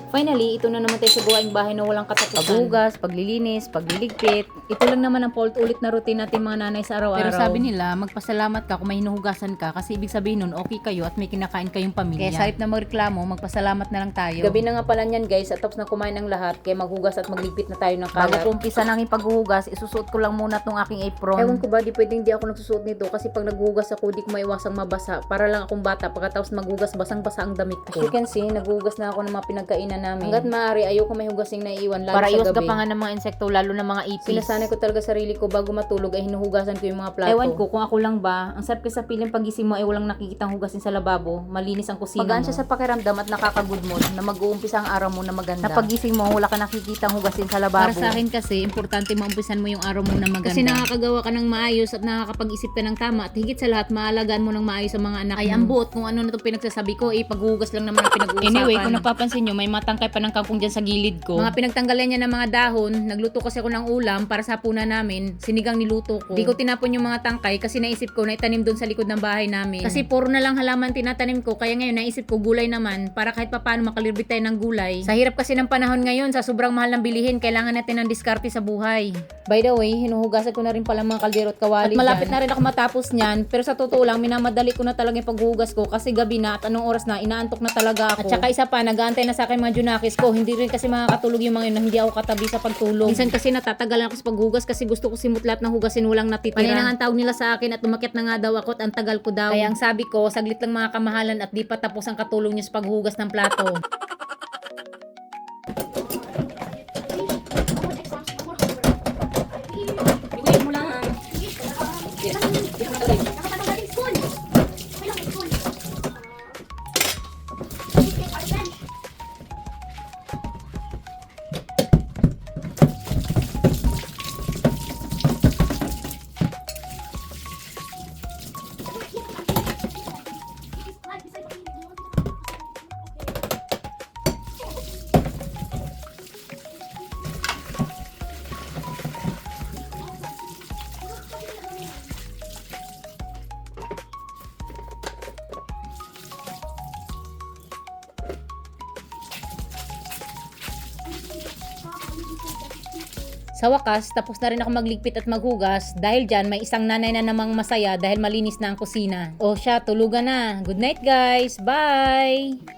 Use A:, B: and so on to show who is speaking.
A: Finally, ito na naman tayo sa gawaing bahay na walang katapusan. Paghugas, paglilinis, pagliligpit. Ito lang naman ang paulit-ulit na routine natin mga nanay sa araw-araw.
B: Pero sabi nila, magpasalamat ka kung may hinuhugasan ka kasi ibig sabihin nun, okay kayo at may kinakain kayong pamilya.
A: Kaya sa halip na magreklamo, magpasalamat na lang tayo. Gabi na nga pala niyan guys, at tapos na kumain ng lahat, kaya maghugas at magligpit na tayo ng kalat. Bago ko umpisa ng aking paghuhugas, isusuot ko lang muna tong aking apron. Ewan ko ba, di pwedeng di ako nagsusuot nito kasi pag naghuhugas ako, di ko maiwasang mabasa. Para lang akong bata, pagkatapos maghugas, basang-basa ang damit ko. As you can see, naghuhugas na ako ng mga pinagkainan namin. Hanggat maaari, ayoko may hugasing naiiwan, lalo
B: para
A: sa
B: iwas
A: gabi.
B: gapangan ng mga insekto, lalo na mga ipis.
A: Sinasanay ko talaga sarili ko bago matulog ay hinuhugasan ko yung mga plato. Ewan ko kung ako lang ba, ang sarap kasi sa piling pagising mo ay walang nakikitang hugasin sa lababo, malinis ang kusina
B: Magaan
A: mo. Siya sa pakiramdam at nakaka-good mood na mag-uumpisa ang araw mo na maganda. Na pagising mo, wala ka nakikitang hugasin sa lababo.
B: Para sa akin kasi, importante maumpisan mo yung araw mo na maganda.
A: Kasi nakakagawa ka ng maayos at nakakapag-isip ka ng tama at higit sa lahat, maalagaan mo ng maayos ang mga anak mo.
B: Ay, ang buot kung ano na itong pinagsasabi ko, paghuhugas lang naman ang pinag-uusapan.
A: Anyway, kung napapansin nyo, may matangkay pa ng kangkong dyan sa gilid ko. Mga pinagtanggalan niya ng mga dahon, nagluto kasi ako ng ulam para sa hapunan namin, sinigang niluto ko. Di ko tinapon yung mga tangkay kasi naisip ko na itanim doon sa likod ng bahay namin. Kasi puro na lang halaman tinatanim ko, kaya ngayon naisip ko gulay naman para kahit papaano makalibit tayo ng gulay. Sa hirap kasi ng panahon ngayon, sa sobrang mahal ng bilihin, kailangan natin ng diskarte sa buhay. By the way, hinuhugasan ko na rin pala mga kaldero at kawali. At malapit na rin ako matapos niyan, pero sa totoo lang, minamadali ko na talaga yung paghuhugas ko kasi gabi na at anong oras na, inaantok na talaga ako. At saka isa pa, nag-aantay na sa akin mga junakis ko, hindi rin kasi makakatulog yung mga yun na hindi ako katabi sa pagtulog. Minsan kasi natatagalan ako sa paghugas kasi gusto ko simut lahat ng hugasin walang natitira. Paninang ang tawag nila sa akin at umakyat na nga daw ako at ang tagal ko daw. Kaya ang sabi ko, saglit lang mga kamahalan at di pa tapos ang katulong niyo sa paghugas ng plato. Sa wakas, tapos na rin ako magligpit at maghugas dahil dyan may isang nanay na namang masaya dahil malinis na ang kusina. O siya, tulugan na. Good night guys! Bye!